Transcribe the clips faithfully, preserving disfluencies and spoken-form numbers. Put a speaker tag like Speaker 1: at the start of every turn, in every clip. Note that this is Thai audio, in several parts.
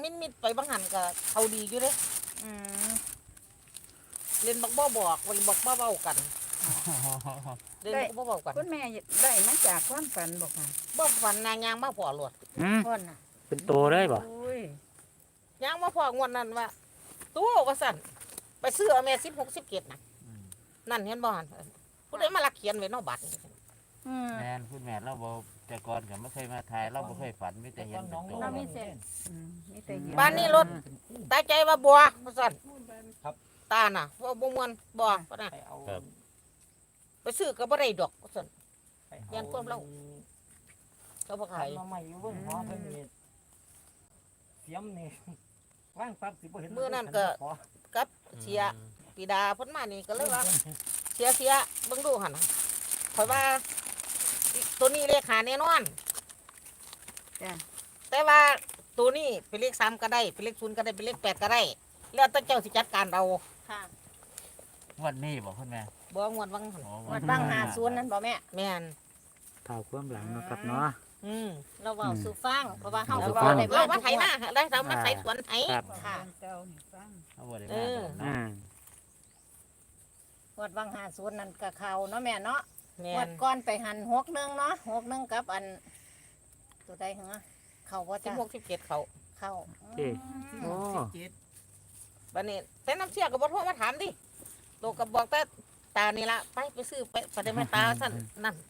Speaker 1: มิดมิดไปบางหันก็เขาดีอยู่เด้
Speaker 2: อืม
Speaker 1: เล่นบักบ่บอกวันบักบ่เบากันเล่นบักบ่เบากัน
Speaker 2: คุณแม่ได้มาจากความฝันบอกค่ะ
Speaker 1: บ่ฝันนางยางมาพอหลวด
Speaker 3: อืม
Speaker 2: พ่นน่ะ
Speaker 3: เป็นตัวเลยบ่
Speaker 2: โอ้ย
Speaker 1: ยางมาพองวดนั้นว่าตู้ว่าสั่นไปซื้อเอาแม่สิบหกสิบเจ็ดนะนั่นเห็นบ่หันผู้ใดมาลักเขียนไว้นอกบัตรนี่
Speaker 2: อืม
Speaker 4: แม่นคุณแม่เราบ่แต่ก่อนก็ไม่เคยมาถ่ายเราบ่เคยฝันมีแต่เห็นเป็นตัว
Speaker 2: เรามีเส้นอืมมีแต่เห็น
Speaker 1: บ้านนี้รถตาใจว่าบัวว่าสั่นตาน่ะว่าบ่ม่วนบ่ปะนะไปซื้อก็บ่ได้ดอกว่าสั่นยันความเราก็บ่ขาย
Speaker 5: มาใหม่อยู่เบิ่งหอเพิ่นนี่เสียมนี่ว่างปั๊บสิบ่เห็น
Speaker 1: มื้อนั้นก็กับเสียปีดาเพิ่นมานี่ก็เลยว่าเสียเสียเบิ่งดูหั่นน่ะข่อยว่าตัวนี้เลขหาแน่นอน
Speaker 2: จ้ะ
Speaker 1: แต่ว่าตัวนี้เป็นเลขสามก็ได้เป็นเลขศูนย์ก็ได้เป็นเลขแปดก็ได้แล้วแต่เจ้าสิจัดการเรา
Speaker 2: ค่ะ
Speaker 4: วันนี้บ่คุณแม่
Speaker 1: บ่งวดวังหั่น
Speaker 4: โอ้
Speaker 2: วัดบ้างหาศูนย์นั่นบ่แม่
Speaker 1: แม่น
Speaker 3: เท่าความหลังเนาะครับเนาะ
Speaker 1: อืม
Speaker 2: เราเว้าสู่ฟังเพราะว่าเฮา
Speaker 3: สู่
Speaker 2: ก็
Speaker 3: ฟั
Speaker 2: บ่
Speaker 3: ง
Speaker 2: ได้
Speaker 1: เรา
Speaker 2: มา
Speaker 1: มาไถนาได้เรามาไถสวนไถ
Speaker 3: ครับ
Speaker 2: ค่ะ
Speaker 4: เอาบ่ได้
Speaker 1: เอ
Speaker 4: มา
Speaker 1: อ
Speaker 4: ดอก
Speaker 3: อื
Speaker 4: เนาะ
Speaker 3: ม
Speaker 2: วัดบางหาศูนย์นั่นก็เข้าเนาะแม่เนาะ
Speaker 1: แม่
Speaker 2: วั
Speaker 1: น
Speaker 2: ดก่อนไปหันหกหนึงเนาะหกหนึงกับอัน ตัวใดเหรอเข้าบ่
Speaker 1: สิบ
Speaker 2: จ้ะ
Speaker 1: หกสิบเจ็ดเขา
Speaker 2: เข้า
Speaker 3: เอ้โอ้
Speaker 1: บัดนี้แต่น้ำเชี่ยก็บ่โทรมาถามดิโตก็บอกแต่ตานี่ละไปไปซื้อไปไปได้แม่ตาสั่นนั่น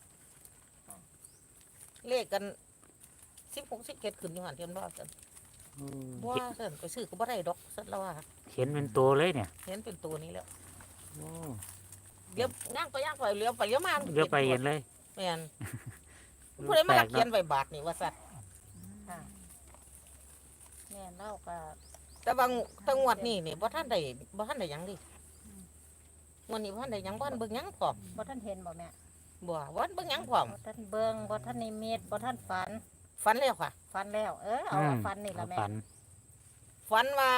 Speaker 1: เลขกันสิบหกสิบเจ็ดขึ้นอยู่หั่นเห็นบ่สั่นบ่สั่นไปซื้อก็บ่ได้ดอกสั่นแล้วว่า
Speaker 3: เห็นเป็นตัวเลยเนี่ย
Speaker 1: เห็นเป็นตัวนี้แล้ว
Speaker 3: โอ้
Speaker 1: เลี้ยวย่างไปย่างไปเลี้ยวไปเลี้ยวมา
Speaker 3: เลือกไปเห็นเลย
Speaker 1: แม่นผู้ใดมาลักเขียนไว้บาทนี่ว่าซั่น
Speaker 2: ค่ะแม่เล่าก็
Speaker 1: แต่บางแตังวดนี่นี่บ่ทันได้บ่ทันได้หยังดิงวดนี้บ่ทันได้หยังบ่ทันเบิ่งหยังพร้อม
Speaker 2: บ่ทันเห็นบ่แม่
Speaker 1: บ่บ่ทันเบิ่งหยังพร้อม
Speaker 2: บ่ทันเบิ่งบ่ทันนิมิตบ่ทันฝัน
Speaker 1: ฝันแล้วค่ะ
Speaker 2: ฝันแล้ว เออเอาว่าฝันนี่ล่ะแม่
Speaker 3: ฝัน
Speaker 1: ฝันว่า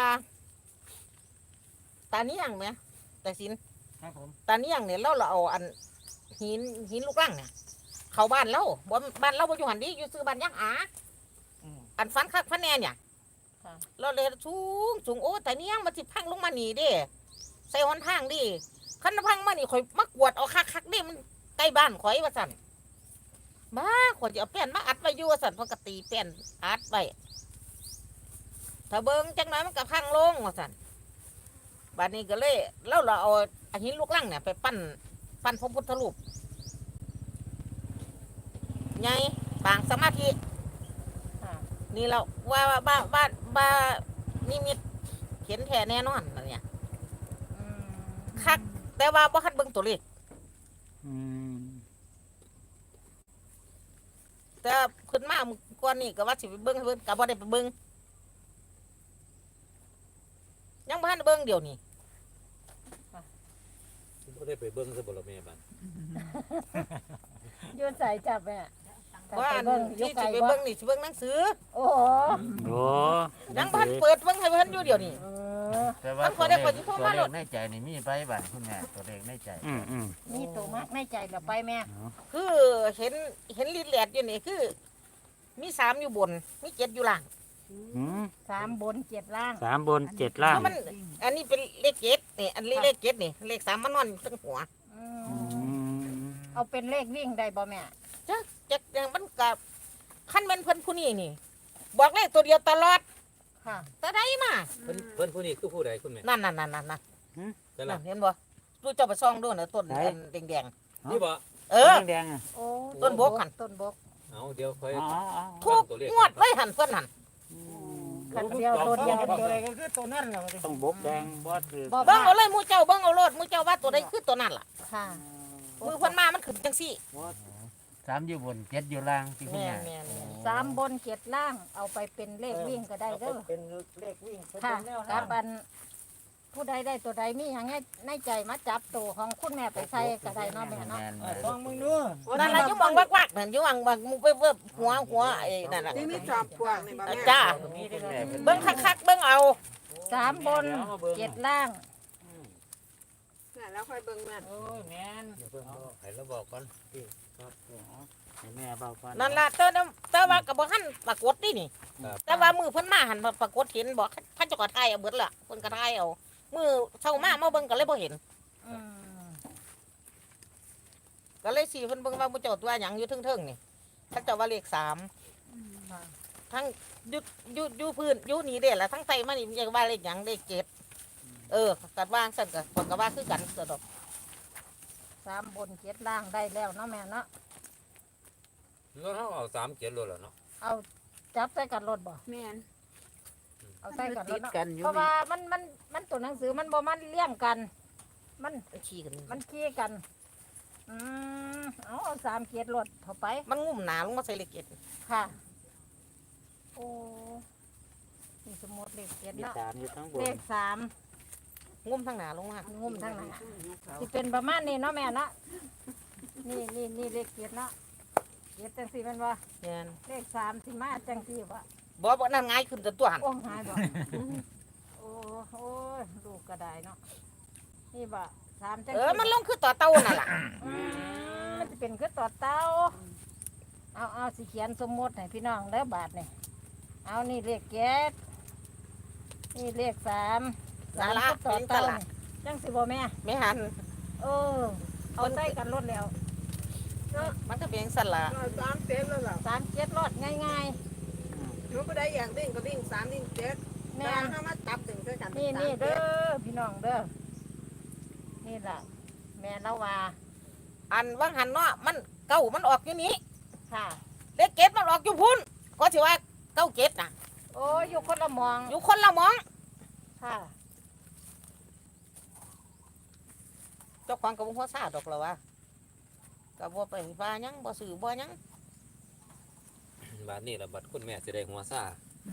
Speaker 1: ตาเนียงแหมแต่สิน
Speaker 5: ครับผม
Speaker 1: ตาเนียงเนี่ยเราเราเอาอันหินหินลูกรังเนี่ยเข้าบ้านเราบ่บ้านเราบ่อยู่หั่นดิอยู่ซื้อบ้านยังหา
Speaker 5: อืม
Speaker 1: อันฝันคักฝันแน่เนี่ย
Speaker 2: ค่ะ
Speaker 1: เราเลยสูงสูงโอ้แต่เนียงมันสิพังลงมานี่เด้ใส่หนทางดิคันพังมานี่ข่อยมากวดเอาคักๆดิมันใกล้บ้านข่อยว่าซั่นมาข่อยจะเอาแป้นมาอัดไว้อยู่ว่าซั่นเพราะกตีแป้นอัดไว้ถ้าเบิ่งจังหน่อยมันก็พังลงว่าซั่นบัดนี้ก็เลยแล้วเราเอาอันหินลูกลังเนี่ยไปปั้นปั้นพระพุทธรูปใหญ่ปางสมาธิ
Speaker 2: ค่ะ
Speaker 1: นี่เราว่าบ้าบ้านบ้านี่มีเขียนแท้แน่นอนนั่นเนี่ย
Speaker 2: อืม
Speaker 1: คักแต่ว่าบ่คัดเบิ่งตัวเลข
Speaker 3: อืม
Speaker 1: แต่ขึ้นมาเมื่อก่อนนี่ก็ว่าสิไปเบิ่งให้เบิ่งก็บ่ได้ไปเบิ่งยังบ่ทันได้เบิ่งเดี๋ยวนี้
Speaker 6: บ่ได้ไปเบิ่งซะบ่ล่ะแม่บัด
Speaker 2: ยืนใส่จับแม่จับ
Speaker 1: ว่า
Speaker 2: ไป
Speaker 1: อัน
Speaker 2: เบิ่งอยู่
Speaker 1: ที่
Speaker 2: ไกล
Speaker 1: สิไป
Speaker 2: บ่
Speaker 1: เบิ่งนี่สิเบิ่งหนังสือ
Speaker 2: โอ้โห
Speaker 3: โอ้
Speaker 1: ยังบ่ทันเปิดเบิ่งให้เพิ่นอยู่เดี๋ยวนี้
Speaker 2: เออ
Speaker 4: แต่ว่า
Speaker 1: มันพ
Speaker 4: ตั
Speaker 1: อ
Speaker 4: ว
Speaker 1: ได้
Speaker 4: เลข
Speaker 1: พอสิโทร
Speaker 4: ตัว
Speaker 1: มา
Speaker 4: เล
Speaker 1: โล
Speaker 4: ข
Speaker 1: ด
Speaker 4: ในใจนี่มีไปบัดคุณแม่ตัวเลขในใจ
Speaker 3: อืมอืม
Speaker 2: นี่ตัวมักในใจเดี๋ยวไปแม่
Speaker 1: คือเห็นเห็นลีดแลดอยู่นี่คือ มีสามอยู่บนมีเจ็ดอยู่ล่าง
Speaker 3: อืม
Speaker 2: สามบนเจ็ดล่าง
Speaker 3: สามบนเจ็ดล่าง
Speaker 1: เพราะมันอันนี้เป็นเลขเจ็ดนี่อันนี้เลขเจ็ดนี่เลขสามมันนอนอยู่ทั้งหัว
Speaker 2: อื
Speaker 3: อื
Speaker 2: ม
Speaker 3: ม
Speaker 2: เอาเป็นเลขวิ่งได้บ่แม่
Speaker 1: จักจักอย่างมันกับขั้นเป็นเพิ่นผู้นี้นี่ บอกเลขตัวเดียวตลอด
Speaker 2: ค่ะ
Speaker 1: แต่ได้มา
Speaker 6: เพิ่นเพิ่นผู้นี้คือผู้ใดคุณแม่
Speaker 1: นั่นนั่นนั่นนั่นนั่น
Speaker 6: แต่
Speaker 1: นั่
Speaker 6: ละ
Speaker 1: นเห็นบ่ดูเจ้าไปซ่องด้วยนะต้นอันแดง
Speaker 6: นี่บ่
Speaker 1: ๆเออ
Speaker 3: แดงๆอ่ะ
Speaker 2: โอ้
Speaker 1: ต้นบกหั่น
Speaker 2: ต้นบก
Speaker 6: เอาเดี๋ยวค่อย
Speaker 3: อ๋ออ๋อ
Speaker 1: ทุกงวดไว้หันเพิ่นหัน
Speaker 2: ขันเดียวตัวเดียว
Speaker 5: ตัวอะไรก็คือตัวนั่นแหละ
Speaker 3: ต้องบกแดงบอสคือ
Speaker 2: บ่
Speaker 1: เบิ่งเอาเลยหมูเจ้าเบิ่งเอาโลดหมูเจ้าว่าตัวใดคือตัวนั้นล่ะ
Speaker 2: ค่ะ
Speaker 1: มือเพิ่นมามันขึ้นจังซี่
Speaker 4: สามอยู่บนเจ็ดอยู่ล่างที่คุณ
Speaker 1: แม่
Speaker 4: แม่
Speaker 1: นแม่น
Speaker 2: สามบนเจ็ดล่าง เอาไปเป็นเลขวิ่งก็ได้เด้อ
Speaker 5: เป็นเลขวิ่งเป็น
Speaker 2: ค่ะ
Speaker 5: แนว
Speaker 2: กับอันผู้ใดได้ตัวใดมีอย่างไงในใจมาจับตัวของคุณแม่ไปใส่ก็ได้เนาะแม่เนาะ
Speaker 4: แม่น
Speaker 5: เอ
Speaker 4: แม่
Speaker 5: อน ลองมึงดู
Speaker 1: นั่นล่ะอยู่มองวักๆนั่นอยู่วังวักมุกไปเวิบหัวหัวไอ้นั่นน่ะ
Speaker 7: ที่มีจอมปลวกนี่บ่แม่
Speaker 1: จ้า
Speaker 4: นี่คุณแม่เป็น
Speaker 1: เบิ่งคักๆเบิ่งเอา
Speaker 2: สามบนเจ็ดล่าง
Speaker 7: น่ะแล้วค่อยเบิ่งแม่น
Speaker 5: โอ้ยแม่น
Speaker 6: เดี๋ยวเพิ่นบอกให้เราบอกก่อน
Speaker 2: ค
Speaker 3: ให้แม่เบาก่อน
Speaker 1: นั่นล่ะแต่ว่าแต่ว่าก็บ่ทันปรากฏนี่นี่
Speaker 6: ครับ
Speaker 1: แต่ว่ามือเพิ่นมาหันปรากฏเห็นบอกท่านเจ้าก็ทายเอาเบิดล่ะเพิ่นก็ทายเอามือเช้ามามาเบิ่งก็เลยบ่เห็น
Speaker 2: อืม
Speaker 1: ก็เลยสิเพิ่นเบิ่งว่าบ่เจ้าตัวหยังอยู่เทิงๆนี่ท่านเจ้าว่าเลขสาม
Speaker 2: ค่ะ
Speaker 1: ทั้งอยู่อยู่อยู่พื้นอยู่นี่เด้ล่ะทั้งไตมานี่มันจะว่าเลขหยังเลขเจ็ดเออกัดวางซั่นก็เพิ่นก็ว่าคือกันซะดอก
Speaker 2: สามบนเจ็ดล่างได้แล้วเนาะแม่เนาะ
Speaker 6: แล้วเฮาเอาสามเจ็ดโลดแล้วเนาะ
Speaker 2: เอาจับใส่กันรถบ่
Speaker 7: แม่น
Speaker 2: เอาใส่กันร
Speaker 1: ติ
Speaker 2: ถ
Speaker 1: ด
Speaker 2: เนาะ
Speaker 1: กันอยู่
Speaker 2: เพราะว่ามันมันมันตัวหนังสือมันบ่มันเลี่ยงกัน มัน
Speaker 1: มันขี้กัน
Speaker 2: มันขี้กัน อืมเอาเอาสามเกียรรถเข้าไป
Speaker 1: มันงุ่มหนาลงมาใส่เลขเจ็ด
Speaker 2: ค่ะ โอ้นี่สมมติเลขเกียร
Speaker 3: มี
Speaker 2: เนาะ
Speaker 3: สามอยู่ทั้งบ
Speaker 2: เล
Speaker 3: น
Speaker 2: ขสาม
Speaker 1: งุ่มทั้งหนาลงมาง
Speaker 2: ุ่มทั้งหนั้นสิเป็นประมาณนี้เนาะแม่เนาะนี่นี่นี่เลขเกียรเนาะเกียรจังสี่เป็นว่า
Speaker 1: แม่น
Speaker 2: เลขสามสิมาจังสี่วะ
Speaker 1: บ่บ่นั่นง่ายขึ้นจนตัวหัน
Speaker 2: โอ้หายบ่ โอ้โอ้ยลูกก็ได้เนาะนี่บ่สามจัง
Speaker 1: เอ
Speaker 2: สี่
Speaker 1: อมันลงคือต่อเต่านั่นล่ะ
Speaker 2: อืมมันจะเป็นคือต่อเต้าเอาเอาสิเขียนสมมติให้พี่น้องเด้อบาทนี่เอานี่เลขเจ็ดนี่เลขสามสาม
Speaker 1: นั่นล่ะ
Speaker 2: คือต่อ
Speaker 1: เป็นต
Speaker 2: เต้า
Speaker 1: ลาด
Speaker 2: จังสิบ่แม่
Speaker 1: ไม่หัน
Speaker 2: เออเอาใส่กันรถแล้ว
Speaker 1: มันก็เป็นสั่นล่ะ
Speaker 7: สามเจ็ดแล้วล่ะ
Speaker 2: สามเจ็ดรถง่าย
Speaker 7: หนูก็ได้อยากวิ่งก็วิ่งสามวิ่งเจ็ด
Speaker 2: ๆ
Speaker 7: แม่
Speaker 2: แม่น
Speaker 7: ถ้ามาจับถึงด้วยกัน
Speaker 2: นี่นี่เด้อพี่น้องเด้อนี่ล่ะ แม่เราว่า
Speaker 1: อันว่างหันเนาะมันเก้ามันออกอยู่นี้
Speaker 2: ค่ะ
Speaker 1: เลขเจ็ดมันออกอยู่พุ่นก็สิว่าเก้าเจ็ดน่ะ
Speaker 2: โอ้ยอยู่คนละหมอง
Speaker 1: อยู่คนละหมอง
Speaker 2: ค่ะ
Speaker 1: เจ้าของกับหัวซาดอกแล้วว่าก็บ่ไปว่าหยังบ่ซื้อบ่หยัง
Speaker 6: บาดนี้ล่ะบัดคุณแม่สิได้หัวซ่า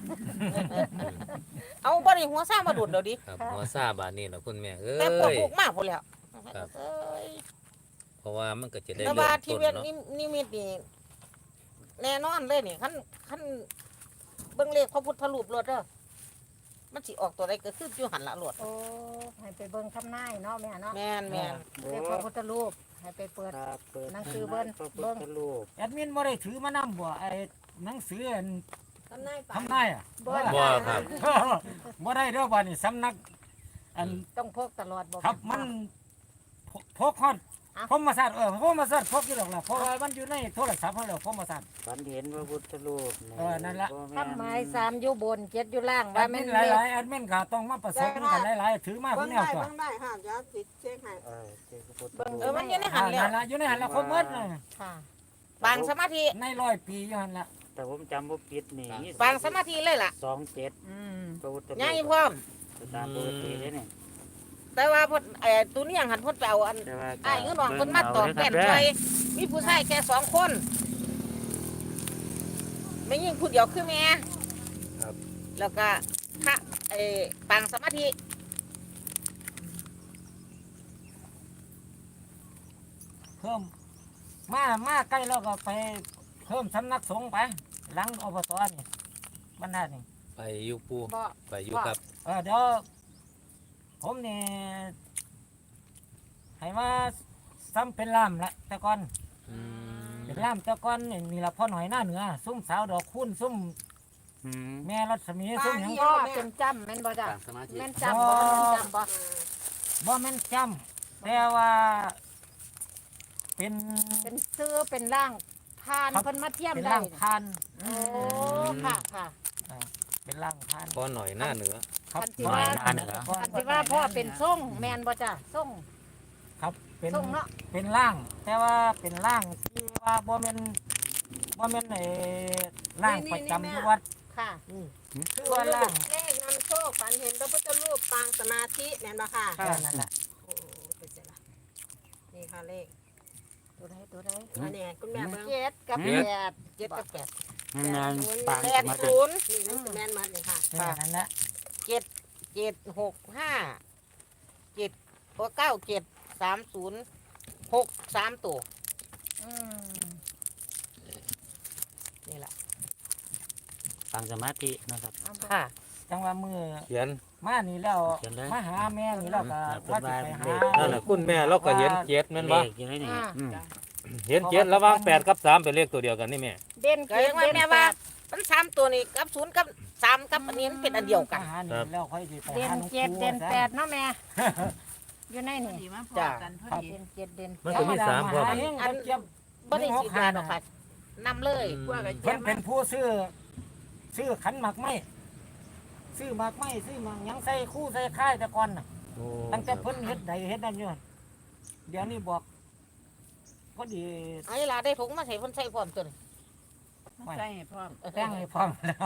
Speaker 1: เอาบ่ได้หัวซามาดุดเดี๋ยวดิ
Speaker 6: ครับหัวซ่าบาดนี้ล่ะคุณแม่เอ้
Speaker 1: แต่ปวด
Speaker 6: ย
Speaker 1: ลูกมากพุ่นแล้ว
Speaker 6: ครับ
Speaker 1: เอ้ย
Speaker 6: เพราะว่ามันก็จะได้
Speaker 1: แต่
Speaker 6: เริ่
Speaker 1: ว่าม ที่
Speaker 6: ต้น
Speaker 1: เวียน
Speaker 6: เนาะ
Speaker 1: นินิมิตนี่แน่นอนเลยนี่คันคันเบิ่งเลขพระพุทธรูปรถเด้อมันสิออกตัวใดก็คืออยู่หันละรถ
Speaker 2: โอ้ให้ไปเบิ่งคำนายเนาะแม่เนาะ
Speaker 1: แม่นแม่น
Speaker 3: โอ้
Speaker 2: เรียกพระพุทธรูปให้ไปเปิด
Speaker 3: ครับเปิด
Speaker 2: หนังสือเบิ่ง
Speaker 3: พระพุ
Speaker 2: เบิ่
Speaker 3: ท
Speaker 2: ง
Speaker 3: ธรูป
Speaker 5: แอดมินบ่ได้ถือมานำบ่ไอ้หนังสืออัน
Speaker 7: ทำนายป่า
Speaker 5: ทำนายอ่ะ
Speaker 2: บ่
Speaker 6: บ่ครับ
Speaker 5: บ่ได้เด้อบัดนี้สำนัก อัน
Speaker 2: ต้องพกตลอดบ่
Speaker 5: ครับมันพพกฮอด
Speaker 2: อ่ะ
Speaker 5: ผมมาสัตว์เออผมมาสัตว์พกอยู่หรอกล่ะเพราะว่ามันอยู่ในโทรศัพท์เขาแล้วผมมาสัตว์
Speaker 3: ฝันเห็นพระพุทธรูป
Speaker 5: เออนั่นล่ะ
Speaker 3: บ่แม่
Speaker 2: ทำไมสามอยู่บนเจ็ดอยู่ล่าง
Speaker 5: แอ
Speaker 2: ว่า
Speaker 5: ด
Speaker 2: แม่
Speaker 5: มิ
Speaker 2: น
Speaker 5: นห
Speaker 2: เลข
Speaker 5: ลายๆแอดมินก็ต้องมาผสมกันหลายๆถือมา
Speaker 7: เบิ่
Speaker 5: เพิ่
Speaker 7: ง
Speaker 5: นแนว
Speaker 7: ได้
Speaker 5: ตัว
Speaker 7: เบิ่งได้ค่ะเดี๋ยวติดเช็คให้
Speaker 3: เออเจ้าพระพุทธ
Speaker 2: เบิ่ง
Speaker 3: รูป
Speaker 1: เออมันอยู่ในหั
Speaker 5: อ่าน
Speaker 1: แล้ว
Speaker 5: นั่นล่ะอยู่ในหันละครบหมดเลย
Speaker 2: ค่ะ
Speaker 1: บางสมาธิ
Speaker 5: ในร้อยปีอยู่หันละ
Speaker 3: แต่ผมจำบ่ผิดนี่มี
Speaker 1: บางสมาธิเลยล่ะ
Speaker 3: สองเจ็ด
Speaker 2: อืม
Speaker 3: พระพุทธรูป
Speaker 1: ใหญ่พร้อม
Speaker 3: ตามปกติเลยนี่
Speaker 1: แต่ว่าเพิ่นไอ้ตัวนี้ยังหันเพิ่นไปเอาอัน
Speaker 3: แต่ว่า
Speaker 1: ไอ้เงินน้องเพิ่นมาตอกแป้น
Speaker 3: เบิ่ง
Speaker 1: ไว้
Speaker 3: เอาเด้อ
Speaker 1: มีผู้ชายแค่สองคนไม่ยิ่งผู้เดียวคือแม่
Speaker 6: ครับ
Speaker 1: แล้วก็พระไอ้ปางสมาธิ
Speaker 5: เพิ่มมามาใกล้แล้วก็ไปเพิ่มสำนักสงฆ์ไปหลังอบตนี่บรรดานี่
Speaker 6: ไปอยู่ปู
Speaker 2: บ่
Speaker 6: ไปอยู่ครับ
Speaker 5: เออเดี๋ยวผมนี่ให้มาซ้ำเป็นล่ามละแต่ก่อน
Speaker 6: อืม
Speaker 5: เป็นล่ามแต่ก่อนนี่นี่ละพ่อหน่อยหน้าเหนือซุ่มสาวดอกคุ้นซุ่ม
Speaker 3: อืม
Speaker 5: แม่รัศมีซุ่มหยัง
Speaker 2: พ่อเป็นจำแม่นบ่จ้ะ
Speaker 6: ต่างสมาธิ
Speaker 2: แม่นจำบ่แม่นจำบ่
Speaker 5: บ่แม่นจำแต่ว่า เป็น
Speaker 2: เป็นซื้อเป็นร่างทาน
Speaker 5: ครับ
Speaker 2: เพิ่นมาเทียม
Speaker 5: เป็น
Speaker 2: ได้
Speaker 5: ร่างพาน
Speaker 2: โอ้ค่ะค่ะ
Speaker 5: เป็นร่างพาน
Speaker 6: พอหน่อยหน้าเหนือ
Speaker 5: ครับ
Speaker 2: คันที่ว่า
Speaker 5: พ่อหน้เหนือ
Speaker 2: คันที่ว่าพ่อเป็นส่งแม่นบ่จ้ะส่ง
Speaker 5: ครับเป็น
Speaker 2: ส่งเนาะ
Speaker 5: เป็นร่าง แต่ว่าเป็นร่างที่ว่าบ่แม่นบ่แม่นไอ้ร่างประจำอยู่วัด
Speaker 2: ค่ะ
Speaker 5: คือว่าร่าง
Speaker 7: เลขนำโชคฝันเห็นพระพุทธรูปปางสมาธิแม่นบ่ค่ะ
Speaker 5: แค่นั้นแหละ
Speaker 7: โอ้โหเป็นเสร็จละนี่ค่ะเลข
Speaker 2: ตัวใดตัวใด
Speaker 7: อันนี้คุณแม่เบิ่ง
Speaker 2: เจ็ดกับ
Speaker 6: เจ็ด
Speaker 2: แปด
Speaker 1: เจ็ดกับแปด
Speaker 3: งานปาง
Speaker 1: แปด
Speaker 3: มาดิ
Speaker 1: ศูนย์
Speaker 7: นี่นั่นคือแม่นมัดเลยค่ะ
Speaker 5: แค่นั้นแหละ
Speaker 1: เจ็ดเจ็ดหกห้าเจ็ดตัวเก้าเจ็ดสามศูนย์หกสามตัว
Speaker 2: อืม
Speaker 1: นี่แหละ
Speaker 3: ปางสมาธินะครับ
Speaker 2: เอาบ่
Speaker 1: ค่ะ
Speaker 5: จังว่ามือ
Speaker 6: เขียน
Speaker 5: มานี่แล้ว
Speaker 3: เขียนเลย
Speaker 5: มาหาแม่นี่แล้วก็
Speaker 3: อืม
Speaker 5: ว่าสิไปหา
Speaker 6: นั่นแหละคุณแม่เราก็เห็นเจ็ดแม่นบ่
Speaker 3: เลขอยู่ในนี่
Speaker 2: อ่า
Speaker 3: อืม
Speaker 6: เห็นเจ็ดระหว่างแปดกับสามเป็นเลขตัวเดียวกันนี่แม่
Speaker 2: เด่น
Speaker 1: ก็
Speaker 2: เจ็ด
Speaker 1: ยังว่า
Speaker 2: เด่น
Speaker 1: แม่
Speaker 2: แป
Speaker 1: ว่า
Speaker 2: ด
Speaker 1: มันสามตัวนี่กับศูนย์กับสามกับอันนี้มันเป็นอันเดียวกัน
Speaker 5: หานี่แล้วค่อยสิไป
Speaker 2: เด่น
Speaker 5: หาหลวง
Speaker 2: เจ็ด
Speaker 5: ปู่
Speaker 2: เด่น
Speaker 5: ซะ
Speaker 2: แปดเนาะแม่ อยู่ในนี่
Speaker 7: ดีมาพอ
Speaker 1: จ้ะ
Speaker 7: กันพอดี
Speaker 2: เด่นเจ็ดเด่น
Speaker 6: มันก็มีสามพร้อม
Speaker 5: อันนี้อันเจ็บ
Speaker 1: บ่ได้สีดาดอกค่ะนำเลย
Speaker 7: กว่ากับ
Speaker 5: เพิ่
Speaker 7: เจี๊ย
Speaker 5: น
Speaker 7: บ
Speaker 5: เป็นผู้ซื้อซื้อขันหมากไม้ซื้อหมากไม้ซื้อหมากหยังใส่คู่ใส่ค่ายแต่ก่อนน่ะ
Speaker 6: โอ้
Speaker 5: ตั้งแต่เพิ่นเฮ็ดใดเฮ็ดนั่นอยู่เดี๋ยวนี้บอกพอดี
Speaker 1: ไอ้ลาได้ถุงมาใส่เพ่นใส่พร้อมตัวนี้
Speaker 7: ใส่ให้พร้อม
Speaker 5: แจ้งให้พร้อมแล้ว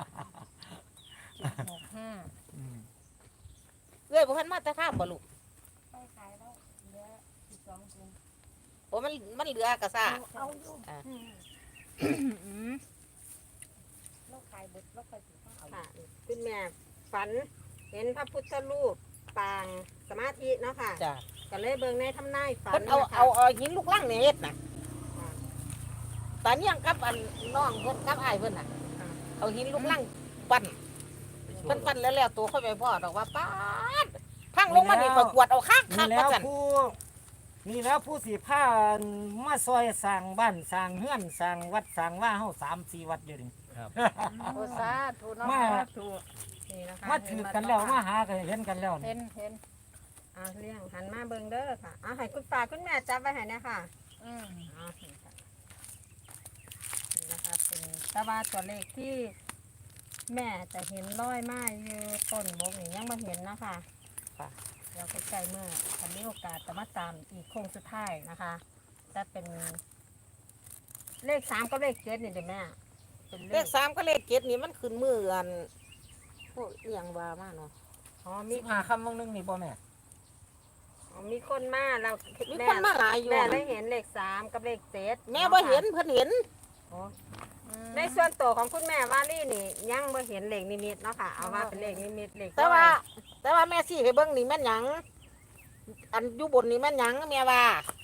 Speaker 2: หกห้า
Speaker 5: อืม
Speaker 1: เอ้ยบ่ทันมาแต่ข้ามบ่ลูก
Speaker 2: ไปขายแล้วเหลือสิบสองถุง
Speaker 1: โอ้มันมันเหลือกระซ่า
Speaker 2: เอาอยู่
Speaker 1: อ่า
Speaker 2: อืมเราขายเบิดเราขายสิบห้าเอา
Speaker 7: ค่ะคุณแม่ฝันเห็นพระพุทธรูปปางสมาธิเนาะค่ะ
Speaker 1: จ้ะ
Speaker 7: ก็เลยเบิ่งในทำนายฝัน
Speaker 1: เพิ่นเอา
Speaker 7: นะคะ
Speaker 1: เอาเอาหินลูกลังนี่เฮ็ดน่ะตอนนี้ยังกับอันน้องเพิ่นกับอ้ายเพิ่นน่ะเอาหินลูกลังปั้นเพิ่นปั้นแล้วแล้วตัวค่อยไปพ่อดอกว่าป๊าดพังลงมานี่ก็กวดเอาคักคั
Speaker 5: นี่
Speaker 1: ก
Speaker 5: แล้
Speaker 1: ว่าว ซั่น
Speaker 5: ผู้นี่แล้วผู้สิพามาซอยสร้างบ้านสร้างเฮือนสร้างวัดสร้างว่าเฮาสามสี่วัดอยู่นี่
Speaker 2: โอสาธุเนาะ
Speaker 5: มา
Speaker 7: ถูกนี่นะคะ
Speaker 5: มาถือกันแล้วมาหากันเห็นกันแล้ว
Speaker 2: เห็
Speaker 5: นี่
Speaker 2: นเห็น
Speaker 7: อ่าเลี้ยงหันมาเบิ่งเด้อค่ะเอาให้คุณป้าคุณแม่จับไว้ให้นะค่ะ
Speaker 2: อืม
Speaker 7: เอานี่ค่ะนี่นะคะเป็นแต่ว่าตัวเลขที่แม่จะเห็นร้อยไม้อยู่ต้นบกนี่ยังไม่เห็นนะคะค่ะเดี๋ยวใกล้ๆเมื่อถ้ามีโอกาสจะมาตามอีกโค้งสุดท้ายนะคะจะเป็นเลขสามกับเลขเจ็ดนี่เดี๋ยวแม่เป็น
Speaker 1: เลขสามก็เลขเจ็ดนี่มันขึ้นมืออันพวกเอียงว่ามาเนาะ
Speaker 7: อ๋อ
Speaker 5: มี
Speaker 7: มี
Speaker 5: หาคำวงนึงนี่บ่แม่
Speaker 7: อ๋อมีคนมาเรา
Speaker 1: มี
Speaker 7: แม่
Speaker 1: คนมาหลายอยู่
Speaker 7: แม่ได้เห็นเลขสามกับเลขเจ็ด
Speaker 1: แม่บ่เห็นเพิ่นเห็น
Speaker 7: อ๋อในส่วนตัวของคุณแม่ว่าลี่นี่ยังบ่เห็นเลขนิมิตเนาะค่ะเอาว่าเป็นเลขนิมิตเลข
Speaker 1: แต่ว่า แต่ว่าแม่สิให้เบิ่งนี่แม่นหยัง อันอยู่บนนี่แม่นหยังแม่ว่า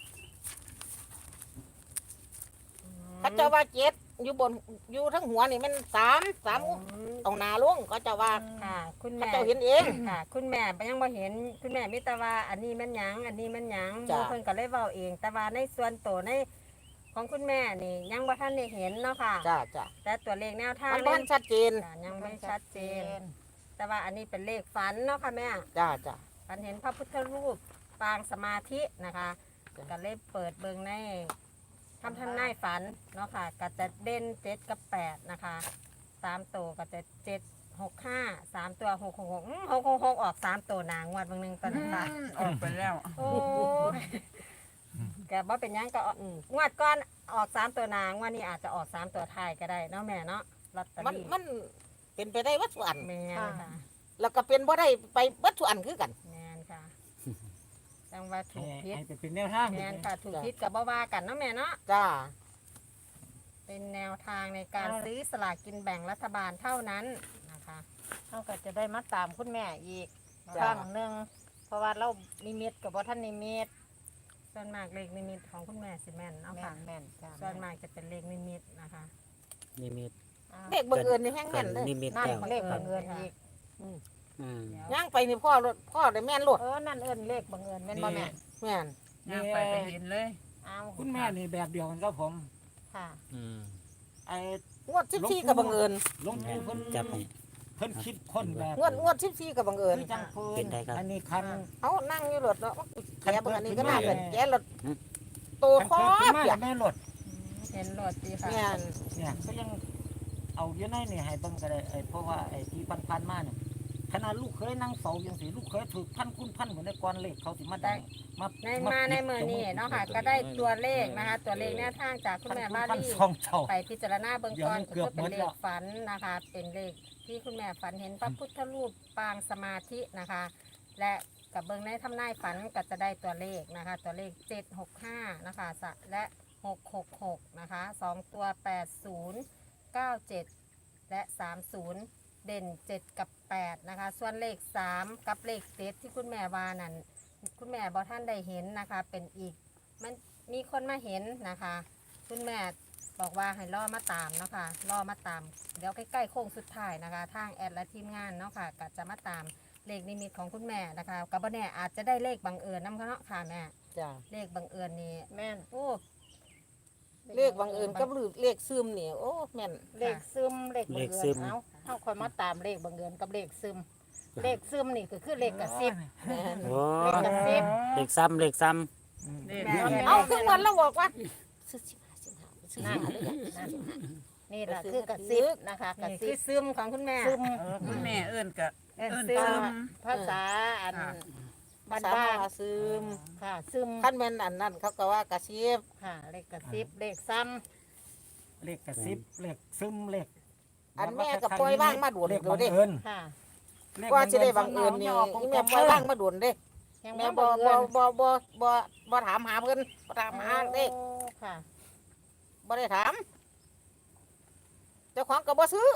Speaker 1: พระเจ้าว่าเจ็ดอยู่บนอยู่ทั้งหัวนี่แม่นสามสาม
Speaker 7: อืม
Speaker 1: ตรงหน้าลงก็เจะว่า
Speaker 7: ค่ะ คุณ
Speaker 1: พระ
Speaker 7: แม่
Speaker 1: เจ้าเห็นเอง
Speaker 7: ค่ะ คุณแม่ยังบ่เห็นคุณแม่มิตรว่าอันนี้แม่นหยังอันนี้แม่นหยัง
Speaker 1: จ้ะ
Speaker 7: บางคนก็เลยเว้าเอง แต่ว่าในส่วนตัวในของคุณแม่นี่ยังบ่ทันได้เห็นเนาะค่ะ
Speaker 1: จ้าจ้า
Speaker 7: แต่ตัวเลขแนวทาง
Speaker 1: มันบ้านชัดเจน
Speaker 7: จ้ะยังไม่ชัดเจน แต่ว่าอันนี้เป็นเลขฝันเนาะค่ะแม่
Speaker 1: จ้าจ้า
Speaker 7: ฝันเห็นพระพุทธรูปปางสมาธินะคะ
Speaker 1: จ้ะ
Speaker 7: ก็เลยเปิดเบิงในคำทำนายฝันเนาะค่ะก็จะเด่นเจ็ดกับแปดนะคะสามตัวก็จะเจ็ดหกห้าสามตัวหกหกหกหกหกหกออกสามตัวนางวัดบางหนึ่งตอนนั้นค่ะ
Speaker 2: ออกไปแล้ว
Speaker 7: โอ้ยแกบ่เป็นหยังก็ออก
Speaker 1: อืม
Speaker 7: งวดก้อนออกสามตัวนางงวันนี้อาจจะออกสามตัวท้ายก็ได้เนาะแม่เนาะลอตเตอ
Speaker 1: มัน
Speaker 7: รี่
Speaker 1: มันเป็นไปได้วัตถุอัน
Speaker 7: แมนค่ะ
Speaker 1: แล้วก็เป็นบ่ได้ไปวัตถุอันคือกัน
Speaker 7: แมนค่ะจังว่าถูกพิษ
Speaker 5: ให้เป็นแนวทาง
Speaker 7: แมนค่ะถูกพิษกับบ่ว่ากันเนาะแม่เนาะ
Speaker 1: จ้า
Speaker 7: เป็นแนวทางในการซื้อสลากกินแบ่งรัฐบาลเท่านั้นนะคะ
Speaker 2: เขาก็จะได้มาตามคุณแม่อีกค
Speaker 1: จ้ะ
Speaker 2: รั้งหนึ่งเพราะว่าเรานิมิตกับว่าท่านนิมิต
Speaker 7: ส่วนมากเลขนิมิตของคุณแม่สิแม่นเนาะ
Speaker 2: แม่
Speaker 7: ค่ะ
Speaker 2: นแม่นจ้ะ
Speaker 7: ส่วนมากจะเป็นเลขนิมิตนะคะ
Speaker 3: นิมิต
Speaker 2: อ้าว
Speaker 1: เด็กบังเอิญนี่แห้ง
Speaker 3: กั
Speaker 1: แม่
Speaker 3: น
Speaker 1: นเลย
Speaker 3: นิมิต
Speaker 2: นั่น
Speaker 3: แล้ว
Speaker 2: เลขบังเอิญอีก
Speaker 3: อืม
Speaker 1: ย่างไปนี่พ่อรถพ่อได้แม่นรถ
Speaker 2: เออนั่นเอิญเลขบังเอิญแม่นบ่แม่
Speaker 1: แม่น
Speaker 5: นี่
Speaker 7: ไปไปเห็นเลย
Speaker 2: เอา
Speaker 5: คุณแม่นี่แบบเดียวกันกับผม
Speaker 2: ค่ะ
Speaker 3: อืม
Speaker 5: ไอ้
Speaker 1: งวดสิบสี่กับบังเอิญ
Speaker 5: หลวงปู่เพิ่น
Speaker 3: จับให้
Speaker 5: เพิ่นคิดคนแบบ
Speaker 1: งวดงวดสิบสี่กับบังเอิญ
Speaker 5: คือจังปื
Speaker 3: เป็น นได้ครับ
Speaker 5: อันนี้คัน
Speaker 1: เอานั่งอยู่รถเนาะแกเบิ่งอันนี้ก็น่า
Speaker 5: คั
Speaker 1: เป็น
Speaker 5: นเปิด
Speaker 1: แกรถโต
Speaker 5: คัน
Speaker 1: คอ
Speaker 5: เปิดขึ้นมา
Speaker 1: เปีย
Speaker 5: แล้
Speaker 1: ก
Speaker 5: วแม่รถ
Speaker 7: เห็นรถดีค่ะ
Speaker 1: แม่น
Speaker 5: เนี่ยก็ยังเอาอยู่ในนี่ให้เบิ่งก็ได้ไอ้เพราะว่าไอ้ที่พันๆมาเนี่ยขนาดลูกเคยนั่งเฝ้าจังซี่ลูกเคยถูกพันคุณพันเหมือนในก่อนเลขเขาสิมาได้มา
Speaker 7: ในมาในมือนี้เนาะค่ะ ก็ได้ตัวเลขนะคะ ตัวเลขแนวทางจากคุณแม่บ้า
Speaker 5: พัน
Speaker 7: ลี่
Speaker 5: สองเจ้า
Speaker 7: ไปพิจารณาเบื้องต้น
Speaker 5: เดี๋ยวมันเกือบ
Speaker 7: ก็เป็น
Speaker 5: หมด
Speaker 7: เล
Speaker 5: แล้
Speaker 7: ข
Speaker 5: ว
Speaker 7: ฝันนะคะ เป็นเลขที่คุณแม่ฝันเห็นพระพุทธรูปปางสมาธินะคะ และกับเบื้องในทำนายฝันก็จะได้ตัวเลขนะคะ ตัวเลขเจ็ดหกห้านะคะสะและหกหกหกนะคะสองตัวแปดศูนย์เก้าเจ็ดและสามศูนย์เด่นเจ็ดกับแปดนะคะ ส่วนเลขสามกับเลขเจ็ดที่คุณแม่วานั้นคุณแม่บอท่านได้เห็นนะคะ เป็นอีกมันมีคนมาเห็นนะคะ คุณแม่บอกว่าให้ล่อมาตามเนาะค่ะล่อมาตาม เดี๋ยวใกล้ๆโค้งสุดท้ายนะคะ ทางแอดและทีมงานเนาะค่ะก็จะมาตามเลขนิมิตของคุณแม่นะคะกับบ่แน่อาจจะได้เลขบังเอิญน้ำเนาะค่ะแม่
Speaker 1: จ้า
Speaker 7: เลขบังเอิญนี่
Speaker 2: แม่น
Speaker 7: โอ้
Speaker 1: เลขบังเอิญกับเลขซึมนี่โอ้แม่น
Speaker 2: เลขซึมเลขบังเอิญเอาเฮาค่อยมาตามเลขบังเอิญกับเลขซึมเลขซึมนี่ก็คือเลขกระซิบ
Speaker 1: แม่น
Speaker 3: โอ้
Speaker 2: เลขกระซิบ
Speaker 3: เลขซ้ำเลขซ้
Speaker 1: เอาคือวันเราบอกว่าซื้อสิบห้าสิบห้าซื้อ
Speaker 2: นั่
Speaker 1: สิ
Speaker 2: น
Speaker 1: บห้าเลย
Speaker 2: นั่นนี่แหละคือกระซิบนะคะกระ
Speaker 7: นี่
Speaker 2: ซิ
Speaker 7: คือบ ซึมของคุณแม่
Speaker 2: ซึม
Speaker 8: เออคุณแม่เอิ้นกะ
Speaker 2: เอิ้น
Speaker 8: เอิ้น
Speaker 2: ซึ
Speaker 8: ซึ
Speaker 2: ม
Speaker 8: ม
Speaker 2: ภาษาอัน
Speaker 8: ค่ะ
Speaker 2: บ้าน
Speaker 1: สาม
Speaker 2: บ้าน
Speaker 1: หาซึม
Speaker 2: ค่ะซึม
Speaker 1: ขั้นแม่นอันนั้นเขาก็ว่ากระซิบ
Speaker 2: ค่ะเลขกระซิบเลขซ้
Speaker 5: เลขกระซิบเลขซึมเลข
Speaker 1: อันแม่ก็ปล่อยว่างมาโดน
Speaker 5: เลข
Speaker 1: เดี๋ยว
Speaker 5: บัง
Speaker 1: เด้
Speaker 5: เอิญ
Speaker 2: ำค่ะ
Speaker 5: เลข
Speaker 1: ว่าสิได้บังเอิญนี่
Speaker 5: บัง
Speaker 1: อี
Speaker 5: เอิ
Speaker 1: แม่
Speaker 5: ญ
Speaker 1: ปล่อยว่างมาโดนเด้
Speaker 2: ยัง
Speaker 1: แม่
Speaker 2: ไม่
Speaker 1: บ่
Speaker 2: บัง
Speaker 1: บ่
Speaker 2: เอิญ
Speaker 1: บ่บ่บ่บ่ถามหาเพิ่นบ่ถามหาเด้
Speaker 2: โอ้ค่ะ
Speaker 1: บ่ได้ถามเจ้าของก็บ่ซื้อ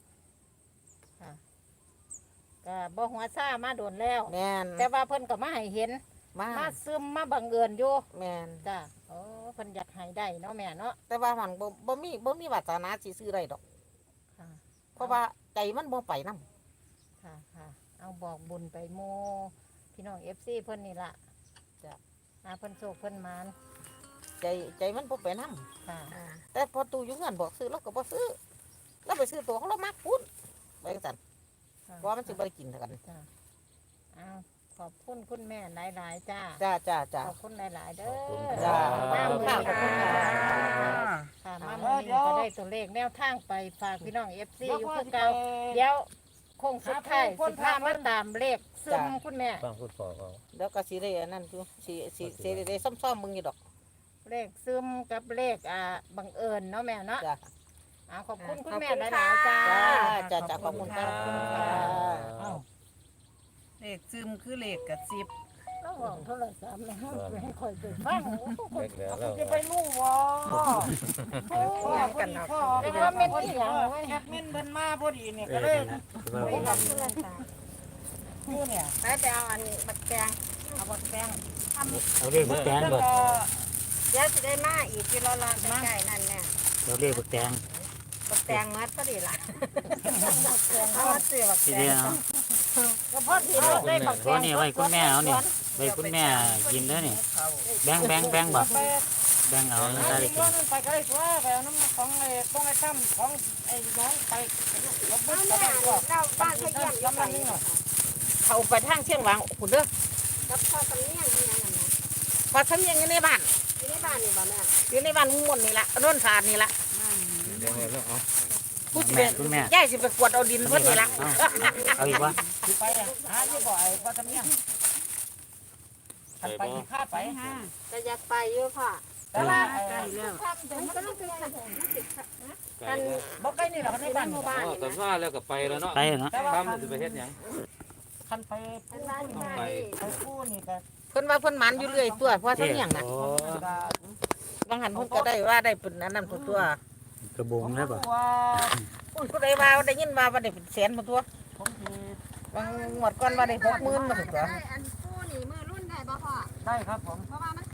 Speaker 2: ก็บ่หัวซ่ามาโดนแล้ว
Speaker 1: แม่น
Speaker 2: แต่ว่าเพิ่นก็มาให้เห็น
Speaker 1: มา
Speaker 2: มาซึมมาบังเอิญอยู่
Speaker 1: แม่น
Speaker 2: จ้ะโอ้เพิ่นอยากให้ได้เนาะแม่เนาะ
Speaker 1: แต่ว่ามันบ่บ่มีบ่มีวาสนาสิซื้อได้ดอก
Speaker 2: ค่ะ
Speaker 1: เพราะว่าใจมันบ่ไปนำ
Speaker 2: ค่ะค่ะเอาบอกบุญไปโมพี่น้อง เอฟ ซี เพิ่นนี่ล่ะ
Speaker 1: จ้ะ
Speaker 2: อาเพิ่นโชคเพิ่นหมาน
Speaker 1: ใจใจมันบ่ไปนำ
Speaker 2: ค่ะ
Speaker 1: แต่พอตู้อยู่เงินบอกซื้อเราก็บ่ซื้อแล้วไปซื้อตัวของเรามักพุ่นไปจังซั่น
Speaker 2: ค่ะ
Speaker 1: เพราะว่ามันสิบ่ได้กินเท่ากัน
Speaker 2: จ้ะเอาขอบคุณคุณแม่หลายๆจ้า
Speaker 1: จ้าจ้าจ้า
Speaker 2: ขอบคุณหลายๆเด้อ
Speaker 1: จ้า
Speaker 2: มามื้อนี้
Speaker 1: ขอบคุณค่ะ
Speaker 2: ค่ะมามื้อนี้ก็ได้ตัวเลขแนวทางไปฝากพี่น้อง เอฟ ซี อยู่คือเก่าเดี๋ยวคงสุดท้ายสิพามาตามเลขซึมคุณแม่
Speaker 6: ฟังพูดฟอเขา
Speaker 1: แล้วก็สิได้อันนั้นอยู่สิสิสิได้ซ่อมๆมึงอยู่ดอก
Speaker 2: เลขซึมกับเลขอ่าบังเอิญเนาะแม่เนาะ
Speaker 1: จ้า
Speaker 2: เอาขอบคุณคุณ
Speaker 7: ขอบ
Speaker 2: แม่
Speaker 7: คุณ
Speaker 2: หลาย
Speaker 7: ค่ะ
Speaker 2: ๆจ้า
Speaker 1: จ้าจ้าจ้าขอบคุณครับ
Speaker 5: เอ้า
Speaker 8: เลขซึมคือเลขกระซิบ
Speaker 2: เราบอกโทรศัพท์นะให้คอยไปฟัง
Speaker 6: เล็กแล้วเรา
Speaker 5: จะไปรู้บ่โอ้ยพอดีพ่อ
Speaker 2: เรียกว่าเม็ดอีหยังไว้
Speaker 5: แอดมินเพิ่นมาพอดีเนี่ย
Speaker 3: ำเอ
Speaker 5: ก็
Speaker 3: อ
Speaker 5: เลย
Speaker 3: นั่นนะ
Speaker 2: ไปรับโทรศัพท์
Speaker 5: อยู่เนี่ย
Speaker 7: ไปไปเอาอันนี้บักแตง
Speaker 2: เอาบักแป้ง
Speaker 3: เอาเลขบักแตงบ่
Speaker 7: เดี๋ยวสิได้มาอีกที่รอรอใกล้ๆนั่นแน่
Speaker 3: เอาเลขบักแตง
Speaker 7: บักแตงมัดพอดีล่ะเอามาซื้อบัก
Speaker 3: ที
Speaker 7: แต
Speaker 3: เดี
Speaker 7: ง
Speaker 3: ยว
Speaker 2: ก็พอดีเราได้บัก
Speaker 3: เพราะนี่ไว้คุณแม่เอานี่ไว้คุณแม่กินเด้อนี่แบงแบงแบงบ่แบงเอา
Speaker 5: ไอ้
Speaker 3: ได้เลย
Speaker 5: ย้อนมันไปก็ได้ตัวไปเอาน้ำของไอ้ต้องไอ้ตั้มของไอ้น้องไปรถบัสก็ได้ตัว
Speaker 7: เราบ้านเขาเยี่ยมอยู่ไส
Speaker 1: เขาไปทางเชียงหวางพุ่นเด้อ
Speaker 7: กับพ่อสำเนียงนี่ยังนั่นนะ
Speaker 1: ว่าฉันยังอยู่ในบ้าน
Speaker 7: อยู่ในบ้านนี่บ่แม่
Speaker 1: อยู่ในบ้านมุ่นนี่ล่ะโน่นสาดนี่ล่ะ
Speaker 6: เดี๋ยวให้แล้วเอา
Speaker 1: ผู้สิ
Speaker 3: แม่
Speaker 1: เป็น
Speaker 3: คุณแม่
Speaker 1: ยายสิไปกวดเอาดินเพิ่นนี่ล่ะ
Speaker 3: เอาอีกวะ
Speaker 5: สิไปอ่ะหาอยู่บ่ไอ้พ่อทำเนี่ยคันไปสิข้าไปฮะ
Speaker 7: ก็อยากไปอยู่พ่อ
Speaker 5: แต่ว่าไอ้
Speaker 7: มันก็ต้องคือมันติด
Speaker 6: ไก่แล้ว
Speaker 5: บ่ใกล้นี่หรอกในบ้าน
Speaker 7: หมู่บ้าน
Speaker 6: อ๋อ
Speaker 7: นี่
Speaker 6: แต่ว่าแล้วก็ไปแล้วเนาะ
Speaker 3: ไปเนาะ
Speaker 5: แต่ว่า
Speaker 6: ทำจะไปเฮ็ดหยัง
Speaker 5: คันไปปู
Speaker 7: บ้าน
Speaker 5: นี่
Speaker 7: ไป
Speaker 5: ไปปูนี่ก็
Speaker 1: เพิ่นว่าเพิ่นหมันอยู่เรื่อยตัวเพราะฉันยังน่ะ
Speaker 3: โอ้
Speaker 1: บางหันเพิ่นก็ได้ว่าได้เป็นอันนั้นตัวตัว
Speaker 3: กระบุงแล้วบ่
Speaker 5: ว่า
Speaker 1: อุ้ยผู้ใดว่าได้ยินว่าว่าได้เป็นแสนมาตัว
Speaker 5: ผมสิ
Speaker 1: บางงวดก่อนว่าได้หกหมื่นมาตัว
Speaker 7: อันผู้นี่มือรุ่นได้บ่พ่อ
Speaker 5: ได้ครับผม
Speaker 7: เพราะว่ามัน